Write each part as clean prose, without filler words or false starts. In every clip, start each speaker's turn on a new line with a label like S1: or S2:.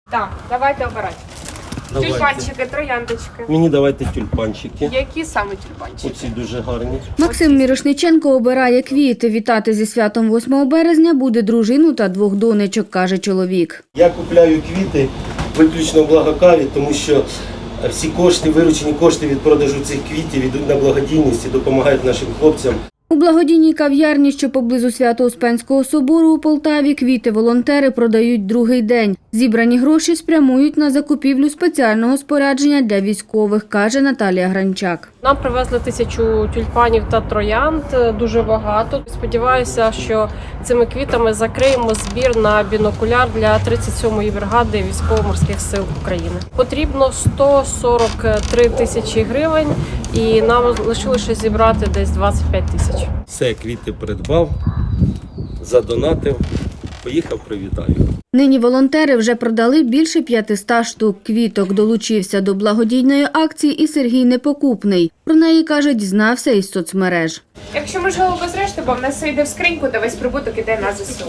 S1: Так, давайте обирати.
S2: Давайте.
S1: Тюльпанчики, трояндочки.
S2: Мені давайте тюльпанчики.
S1: Які саме тюльпанчики?
S2: Оці дуже гарні.
S3: Максим Мірошниченко обирає квіти. Вітати зі святом 8 березня буде дружину та 2 донечок, каже чоловік.
S2: Я купляю квіти виключно в Благокаві, тому що всі кошти, виручені кошти від продажу цих квітів йдуть на благодійність і допомагають нашим хлопцям.
S3: У благодійній кав'ярні, що поблизу Свято-Успенського собору у Полтаві, квіти волонтери продають другий день. Зібрані гроші спрямують на закупівлю спеціального спорядження для військових, каже Наталія Гранчак.
S4: Нам привезли 1000 тюльпанів та троянд, дуже багато. Сподіваюся, що цими квітами закриємо збір на бінокуляр для 37-ї бригади Військово-морських сил України. Потрібно 143 тисячі гривень і нам лишилося зібрати десь 25 тисяч.
S2: Все, квіти придбав, задонатив, поїхав, привітаю.
S3: Нині волонтери вже продали більше 500 штук квіток. Долучився до благодійної акції і Сергій Непокупний. Про неї, каже, дізнався із соцмереж.
S1: Якщо можливо без решти, бо в нас все йде в скриньку, то весь прибуток іде на ЗСУ.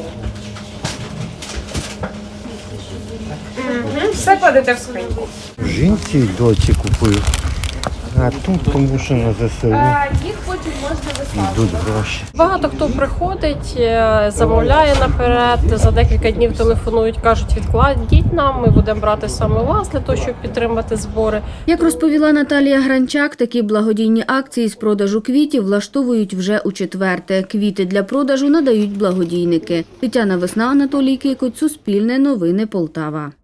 S1: Все кладете в скриньку.
S5: Жінці й доці купив. А тут тому що на ЗСУ
S1: Їх потім можна вислати.
S5: йдуть гроші.
S4: Багато хто приходить, замовляє наперед, за декілька днів телефонують, кажуть, відкладіть нам, ми будемо брати саме у вас для того, щоб підтримати збори.
S3: Як розповіла Наталія Гранчак, такі благодійні акції з продажу квітів влаштовують вже у 4-те. Квіти для продажу надають благодійники. Тетяна Весна, Анатолій Кикоть, Суспільне новини, Полтава.